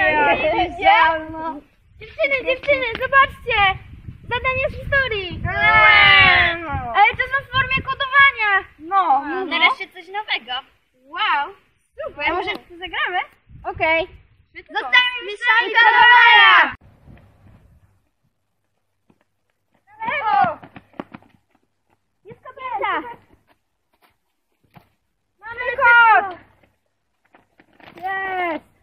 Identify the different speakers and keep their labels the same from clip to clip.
Speaker 1: Dziewczyny, zobaczcie! Zadanie z historii! Ale to są w formie kodowania! No.
Speaker 2: Nareszcie coś nowego.
Speaker 1: Wow! Super!
Speaker 2: A może w to zagramy?
Speaker 1: Okej. Zostańmy mistrzami kodowania! Na lewo! Jest kobieta! Mamy kod! Jest!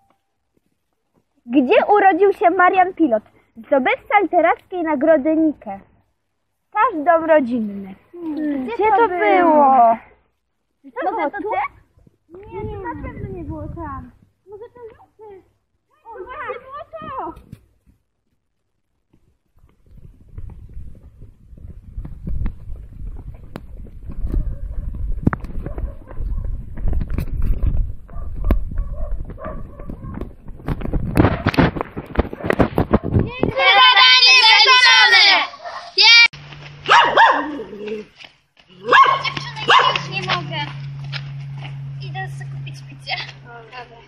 Speaker 1: Gdzie urodził się Marian Pilot? Zdobywca literackiej nagrody Nike. Staż dom rodzinny. Gdzie to było? Może to ty? Nie, to na pewno nie było tam. Może to Lucy? O, właśnie było to!
Speaker 2: Zadanie zaliczone! Dziewczyny, ja już nie mogę. Idę sobie kupić picie. Dobra.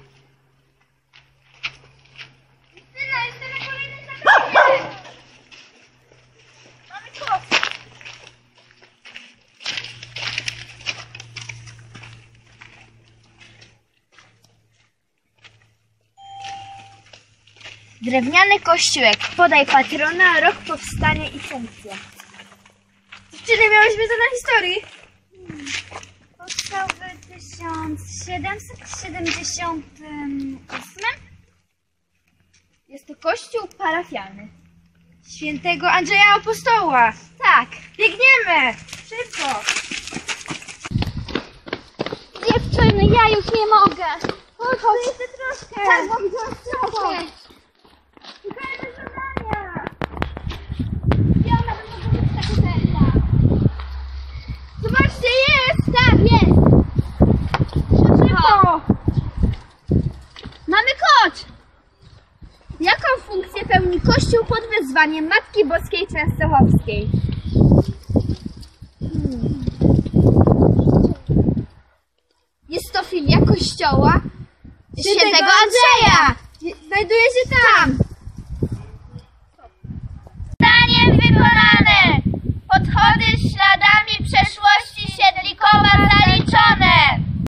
Speaker 2: Justyna, jestem na kolejnym zadaniu. Mamy kod.
Speaker 1: Drewniany kościółek. Podaj patrona, rok powstania i funkcja. Dziewczyny, miałyśmy to na historii.
Speaker 2: Powstał w 1778.
Speaker 1: Jest to kościół parafialny. Świętego Andrzeja Apostoła. Tak. Biegniemy. Szybko.
Speaker 2: Dziewczyny, ja już nie mogę.
Speaker 1: Chodź, jeszcze troszkę.
Speaker 2: Tak, bo widziałam trochę.
Speaker 1: Szukajmy zadania.
Speaker 2: Ja nawet mogę być taka pewna.
Speaker 1: Zobaczcie, jest.
Speaker 2: Tak, jest.
Speaker 1: Szybko. Mamy kod. Jaką funkcję pełni Kościół pod wezwaniem Matki Boskiej Częstochowskiej? Jest to filia Kościoła Świętego Andrzeja.